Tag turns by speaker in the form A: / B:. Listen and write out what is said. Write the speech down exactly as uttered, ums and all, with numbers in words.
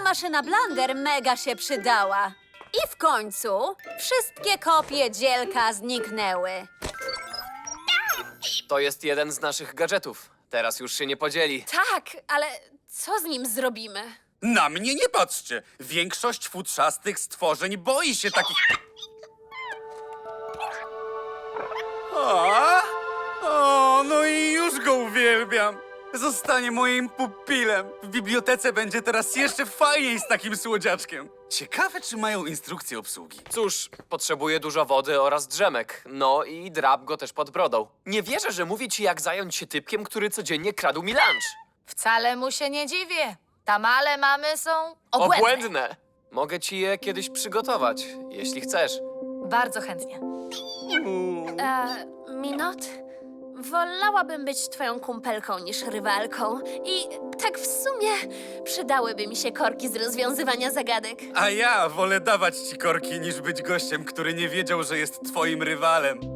A: maszyna Blunder mega się przydała. I w końcu wszystkie kopie dzielka zniknęły.
B: To jest jeden z naszych gadżetów. Teraz już się nie podzieli.
C: Tak, ale co z nim zrobimy?
D: Na mnie nie patrzcie! Większość futrzastych stworzeń boi się takich... O, o, no i już go uwielbiam! Zostanie moim pupilem. W bibliotece będzie teraz jeszcze fajniej z takim słodziaczkiem. Ciekawe, czy mają instrukcję obsługi.
B: Cóż, potrzebuje dużo wody oraz drzemek. No i drap go też pod brodą. Nie wierzę, że mówi ci, jak zająć się typkiem, który codziennie kradł mi lunch.
C: Wcale mu się nie dziwię. Tamale mamy są obłędne.
B: Obłędne! Mogę ci je kiedyś przygotować, jeśli chcesz.
C: Bardzo chętnie.
E: E, Minot? Wolałabym być twoją kumpelką niż rywalką. I tak w sumie przydałyby mi się korki z rozwiązywania zagadek.
D: A ja wolę dawać ci korki, niż być gościem, który nie wiedział, że jest twoim rywalem.